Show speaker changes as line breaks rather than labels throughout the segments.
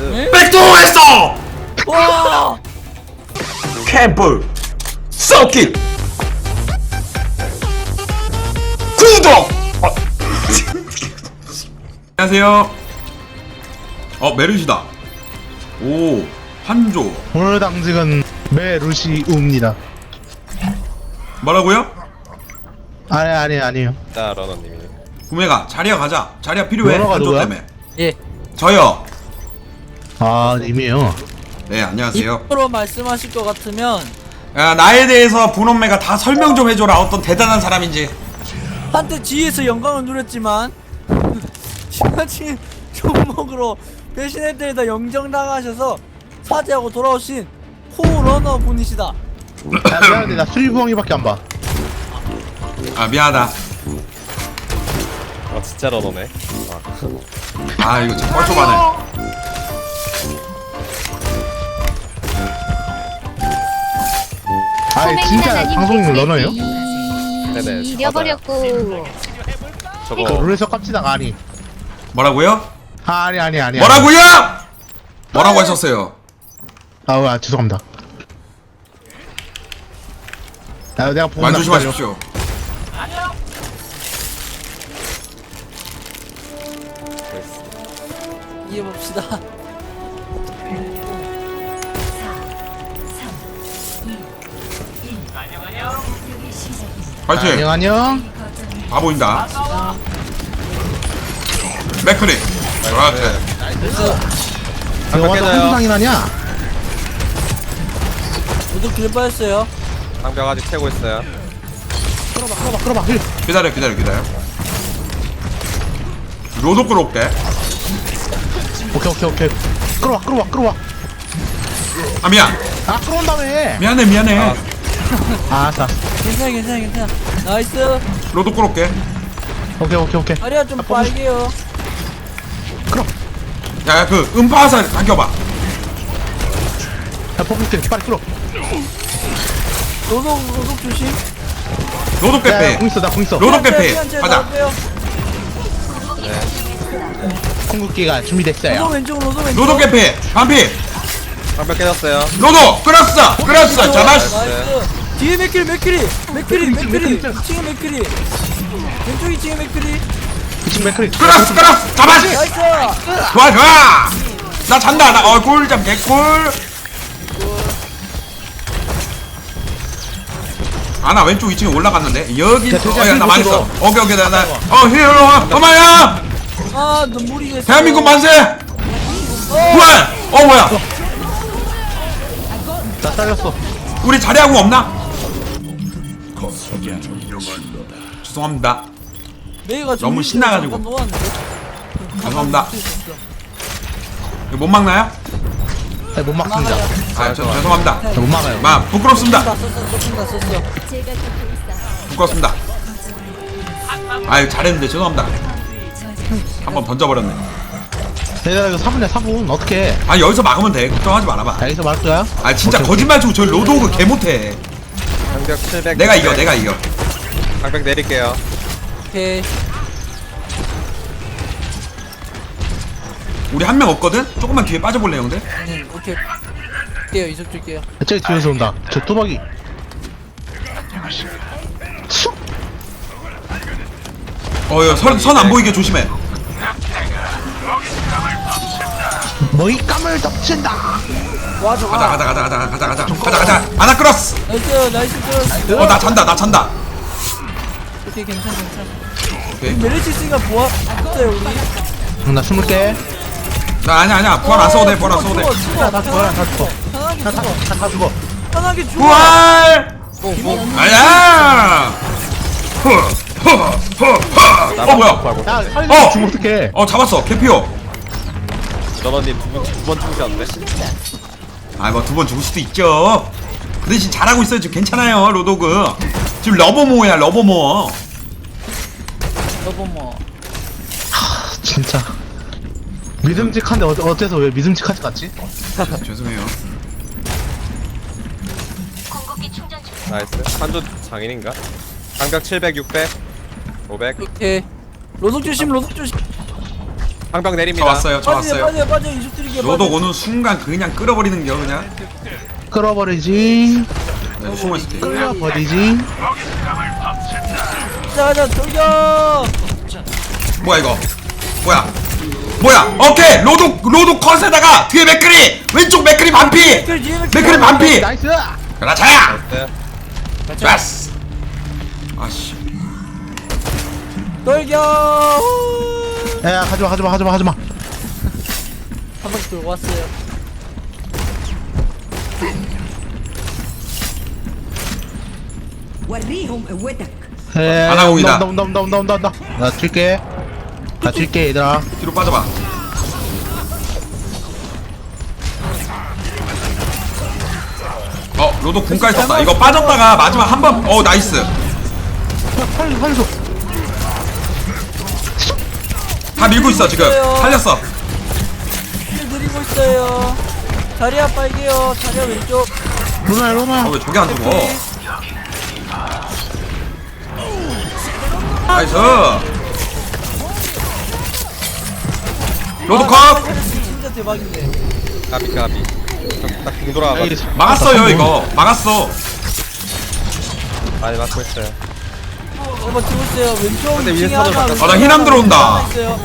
나이스.
백도했어!
와!
캠프 썩길 구독! 안녕하세요. 메르시다. 오, 한조.
오늘 당직은 메루시우입니다.
뭐라고요?
아니에요.
자, 러너님이.
구매가 자리야 가자. 자리야 필요해.
뭐라고
한조
누구야?
때문에.
예.
저요.
아, 님이요.
네, 안녕하세요.
입으로 말씀하실 것 같으면
야, 나에 대해서 분홍매가 다 설명 좀 해줘라. 어떤 대단한 사람인지.
한때 G에서 영광을 누렸지만 지나친 종목으로 배신했더니 영정당하셔서 사죄하고 돌아오신 호러너 분이시다.
야, 미안한데 나 수리부엉이밖에 안 봐.
아, 미안하다.
진짜 러너네.
아, 이거 진짜 뻘쭘하네.
아, 진짜 방송인 러너예요?
네네,
잃어버렸고
저
저거
룰에서 깝치다가 아니.
뭐라고요?
아니.
뭐라고요? 뭐라고 하셨어요?
죄송합니다. 내가 보고
말 조심하십시오.
이해봅시다.
파이팅!
안녕.
다 보인다. 맥크리. 그렇지.
내가 와서 한두 상이 나냐?
모두 길 빠졌어요.
방벽 아직 채고 있어요.
끌어봐.
기다려. 로도 끌어올게.
오케이. 끌어와.
아, 미안.
끌어온 다음에.
미안해.
알았어.
괜찮아. 나이스.
로도 끌어올게.
오케이.
다리야 좀 빨개요.
야, 그 음파화살 당겨봐.
야, 뽑을게. 빨리 끌어.
노동 조심.
로도
야,
깨빼.
공 있어. 나 공 있어.
로도 깨빼. 가자.
궁극기가 준비됐어요.
노동 왼쪽.
로도 깨빼. 반피.
방벽 깨졌어요.
로도 끌었어. 잡았어.
나이스. 뒤에 맥크리. 2층에 맥크리. 왼쪽 2층에 맥크리.
지금 맥크리.
끌었어. 잡았어.
나이스.
좋아. 나 잔다. 꿀잠 개꿀. 나 왼쪽 2층에 올라갔는데 여기. 야, 나 망했어. 오케이. 힐러 와. 엄마야.
아 눈물이 됐어.
대한민국 만세. 부활. 뭐야.
나 잘렸어.
우리 자리하고 없나? 죄송합니다.
메이가
너무 신나가지고.
잠깐 놓았는데.
죄송합니다. 이거 못 막나요?
네, 못 막습니다.
죄송합니다.
못 막아요.
부끄럽습니다.
썼어.
부끄럽습니다. 잘했는데 죄송합니다. 한번 던져버렸네.
내가 이거 4분이야 4분 어떻게?
여기서 막으면 돼. 걱정하지 말아봐.
여기서 막을 거야?
진짜
오케이,
거짓말 치고 저 로드오그 개 못해.
방벽 700.
내가 이겨.
방벽 내릴게요.
오케이.
우리 한 명 없거든? 조금만 뒤에 빠져볼래 형들?
네, 오케이. 줄게요. 이석 줄게요.
저기 뒤에서 온다. 저 뚜벅이.
선 안 보이게 조심해.
머리 감을 덮친다.
와 좋아.
가자. 하나 끌었어.
나이스.
나 잔다.
오케이 괜찮아.
오케이.
메리치 있으니까 보아 없어요 우리.
나 20개.
나 아니야. 부활 안 써도 돼.
다 죽어. 다 죽어.
편하게 죽어.
부활! 아야! 뭐야?
야, 빨리 죽으면 어떡해.
잡았어. 개피오.
러너님 두 번 죽으셨는데?
두 번 죽을 수도 있죠. 그 대신 잘하고 있어요. 지금 괜찮아요. 로도그. 지금 러버모어야, 러버모어.
여보 뭐.
진짜. 믿음직한데 어째서 왜 믿음직하지 같지?
죄송해요.
나이스. 한조 장인인가? 방벽 700, 600, 500.
오케이. 로독 조심.
방벽
저
내립니다.
왔어요 저 왔어요.
빠져 이속 드리게
로독 오는 순간 그냥 끌어버리는 겨 그냥.
끌어버리지.
네, 숨어있을게.
끌어버리지.
가자 돌격.
뭐야 이거 뭐야 오케이 로독 컷에다가 뒤에 맥크리 왼쪽 맥크리 반피 맥크리 반피
나이스.
그렇지
네.
좋았어. 아씨
돌격.
야, 가지마.
한 바퀴 돌고 왔어요.
وريهم قوتك.
아나공이다.
온다. 나 칠게 얘들아.
뒤로 빠져봐. 로독 군까지 썼다. 이거 빠졌다가 마지막 한번 나이스.
살려줘.
다 밀고 있어 지금. 살렸어.
힐 드리고 있어요. 자리야 빨개요. 자리야 왼쪽.
로나야.
왜 저게 안 죽어? 나이스. 로독 컷.
진짜 대박인데.
까비. 딱궁 돌아가.
막았어요 이거. 막았어.
많이 맞고 있어요.
한번 치고 있어요. 왼쪽
근데
층에
윈스턴을
하나,
바꿨어.
나 힐함 들어온다.
하나 있어요.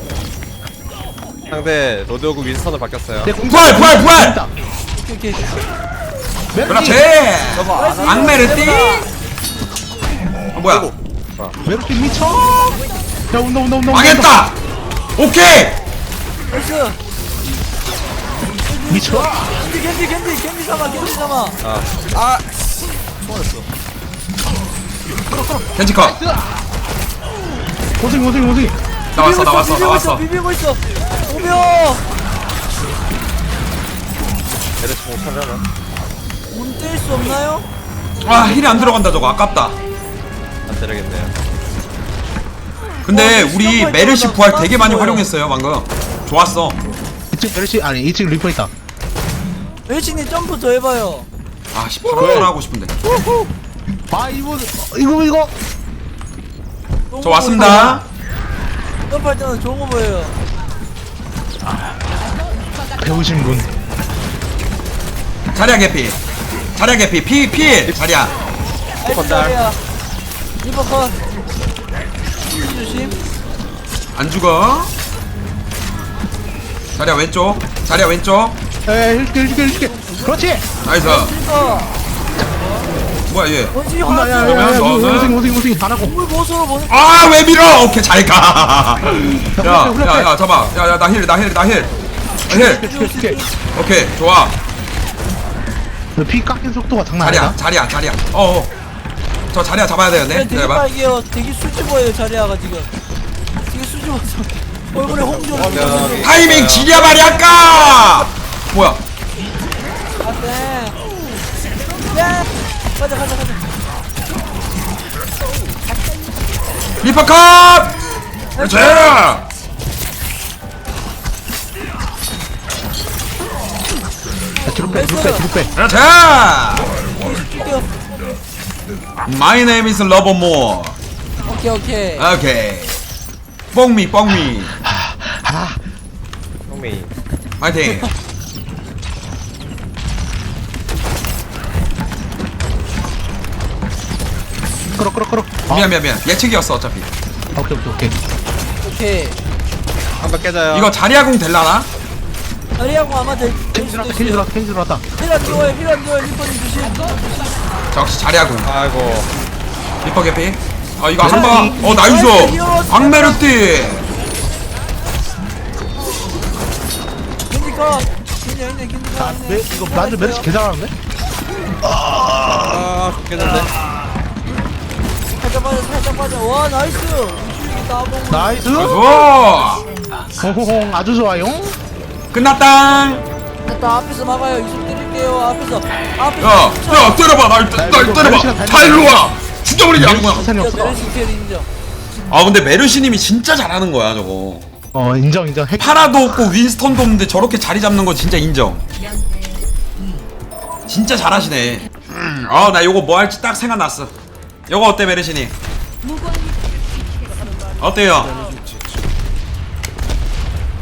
상대 로드오그 윈스턴을 바뀌었어요.
부활.
오케이.
그렇지. 악메르띠. 뭐야?
메르시 미쳐. 야, 온다.
망했다. 오케이.
나이스.
미쳐.
겐지 삼아.
겐지 컷.
고생.
나왔어.
비비고 있어. 오며.
얘들 공 차려나?
문뗄 수 없나요?
힐이 안 들어간다 저거. 아깝다.
안 되겠네요.
근데 우리 메르시 부활 되게 많이 활용했어요 방금. 좋았어.
2층 메르시 아니 2층 리퍼 있다.
멜치님 점프 더 해봐요.
아씨 파란 하고 싶은데.
아 이거.
저 왔습니다.
점프할 때는 좋은 거 보여요.
배우신 분.
자리야 개피. 피 자리야.
나이스 자리야. 리버 컷. 조심.
안 죽어. 자리야 왼쪽.
에 힐게. 그렇지.
나이스.
리버.
뭐야 얘.
원숭이
야,
화났어요.
오승 안 하고.
물 보수로 보내.
왜 밀어? 오케이 잘 가. 야 잡아. 야 나 힐. 오케이 좋아.
피 깎인 속도가 장난 아니다.
자리야. 저 자리야 잡아야 되는데.
되게
기다려봐.
빨개요. 되게 수줍어요 자리야가 지금. 되게 수줍어서 얼굴에 홍조.
타이밍 지려 말이야 아까. 뭐야?
안돼. 야. 가자.
리퍼 컷. 그렇지.
뒤로 빼.
그렇지.
뛰어.
My name is Lovermore.
오케이.
오케이. 뽕미.
형미.
파이팅.
끌어.
미안. 예측이었어 어차피.
오케이.
한번 깨져요.
이거 자리아궁 될라나?
자리하고 아마 될
캔
수도
들어왔다.
있어요.
캔 들어왔다.
힐안 뛰어요. 리퍼님 조심.
역시 자리아궁.
아이고.
리퍼 개피. 이거 한번. 나이스. 광메르띠.
겐지가.
이거 완전 메르시 개 잘하는데?
죽겠는데.
살짝 빠져. 와 나이스. 우측이 나보고.
나이스.
좋아.
호호홍 아주 좋아요.
끝났다.
일단 앞에서 막아요. 이속 드릴게요. 앞에서.
야 때려봐. 날 때려봐. 다 일로 와. 죽여버리지 아무거나.
시간이 없어.
메르시 캐리 인정.
근데 메르시님이 진짜 잘하는 거야 저거.
인정.
파라도 없고 윈스턴도 없는데 저렇게 자리 잡는 거 진짜 인정. 진짜 잘하시네. 나 요거 뭐 할지 딱 생각났어. 요거 어때 메르시님? 어때요?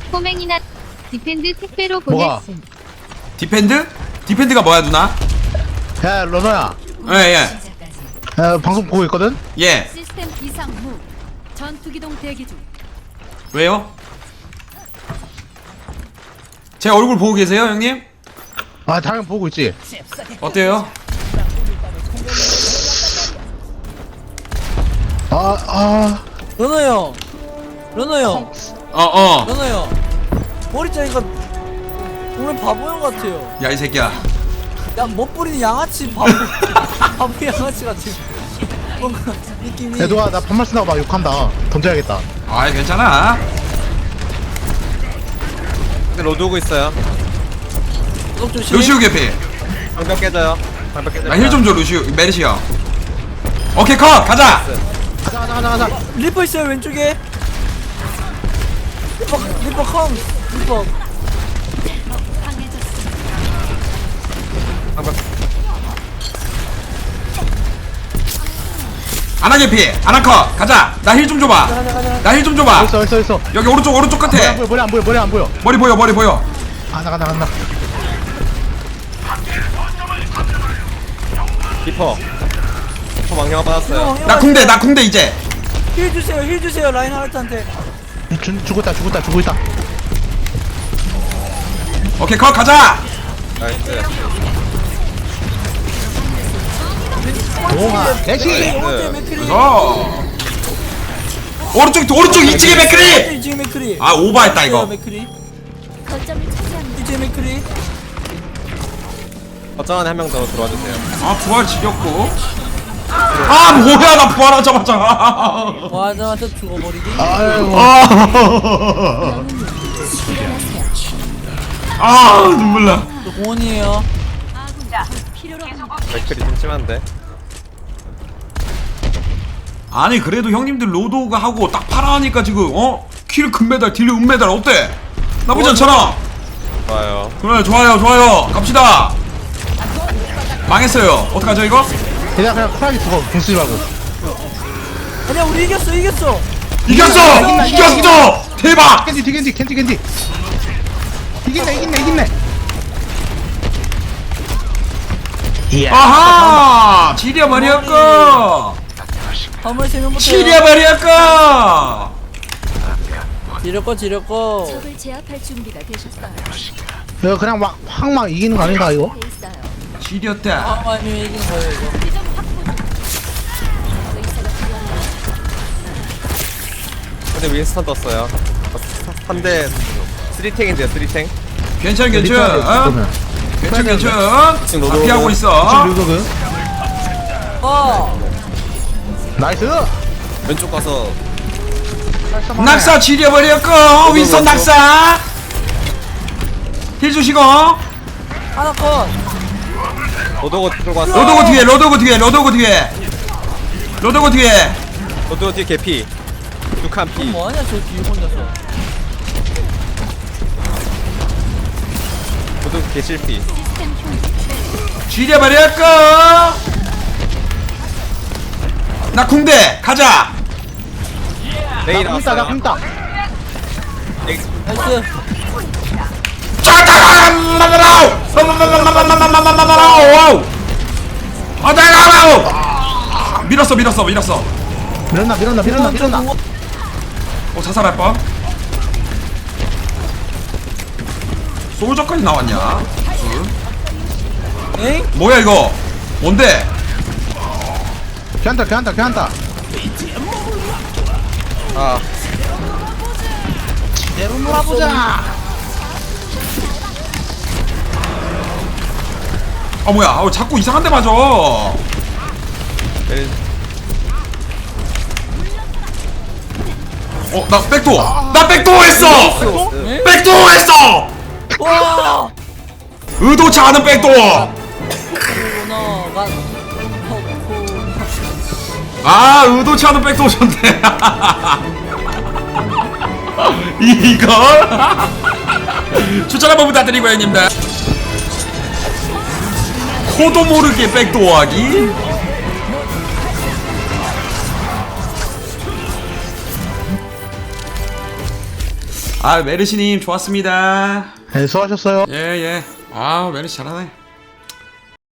꼬맹이나 디펜드 택배로
뭐가?
보냈음.
디펜드? 디펜드가 뭐야 누나?
야 러너야.
예예
야, 방송 보고 있거든.
예.
시스템 이상 무. 전투기동 대기 중.
왜요? 제 얼굴 보고 계세요 형님?
아 당연 보고 있지.
어때요?
러너 형. 러너 형.
어어
러너 형. 머리 자니까 오늘 바보 형 같아요.
야 이 새끼야
야 멋부리는 양아치 바보. 바보 양아치 같아. 뭔가 느낌이.
애도아 나 반말 쓴다고 막 욕한다. 던져야겠다.
아이 괜찮아
근데 로드 오고 있어요.
구독 조심.
루시우 개피
방벽 깨져요. 방벽 깨져요.
나 힐 좀 줘 루시우 메르시 형 오케이 컷 가자
가자.
리퍼 있어요 왼쪽에. 리퍼 컴. 리퍼.
방벽.
아나 개피 아나 컷 가자 나 힐 좀 줘봐 나 힐 좀 줘봐
있어.
여기 오른쪽 끝에
머리 안 보여.
머리 보여
간다.
리퍼. 리퍼 망령 받았어요.
나 궁대 이제
힐 주세요 라인 하르트한테.
죽었다.
오케이 컷 가자
나이스.
오마 대시.
오른쪽에 맥크리.
오른쪽 2층에 맥크리
2층에 맥크리.
아 오버했다 이거
맥크리.
거점을 차지합니다.
2층에 맥크리.
어쩌면 한 명 더 들어와 주세요.
아 부활 지겹고 아 뭐야 나 부활하자마자
와자마자 죽어버리기.
아이고.
아 눈물 나
또 공원이에요.
맥클이 좀 심한데.
아니 그래도 형님들 로드오가 하고 딱 파라하니까 지금 킬 금메달 딜 은메달 어때? 나쁘지 않잖아
좋아요.
그래 좋아요 갑시다 망했어요 어떡하죠 이거?
그냥 쿨하게 죽어. 궁 쓰지 말고.
아니야 우리 이겼어.
이겼어
이긴다.
대박
캔디. 이긴네. 이야.
아하 지려버렸고
화물 3명부터.
지려버렸고
지렸고.
적을 제압할 준비가 되셨어요.
이거 그냥 확 이기는 거 아닌가 이거?
돼 있어요.
지렸다
아니면 이긴 거예요 이거.
지점 확보 중. 의사가 필요합니다.
근데 윈스턴 떴어요. 3대 3탱인데요. 3탱.
괜찮
그러면.
괜찮
로드
다 피하고 있어
류도그. 나이스.
왼쪽 가서
낙사 지려버렸고 윈선 낙사 힐 주시고
하나 컷.
로드오고 들고 왔어.
로드오고 뒤에 로드오고 뒤에
로드오고 뒤에 개피. 6한 피.
뭐하냐 저 뒤에 혼자서.
로드오고 개실피.
시스템 흉.
지려버렸고 나 궁대 가자
레이
나
나왔어요.
굶다.
나이스.
밀었어
밀었나.
자살할 뻔 솔저까지 나왔냐
에잉?
뭐야 이거 뭔데
괜찮다.
아,
내로 놀아보자.
아 뭐야 자꾸 이상한 데 맞아 나 백도어 했어 백도어 했어
와!
의도치 않은 백도어
코너가
아 의도치 않은 백도어셨네 이걸 추천 한번 부탁드리고 형님들 코도 모르게 백도어하기 아 메르시님 좋았습니다.
네, 수고하셨어요.
예예. 아 메르시 잘하네.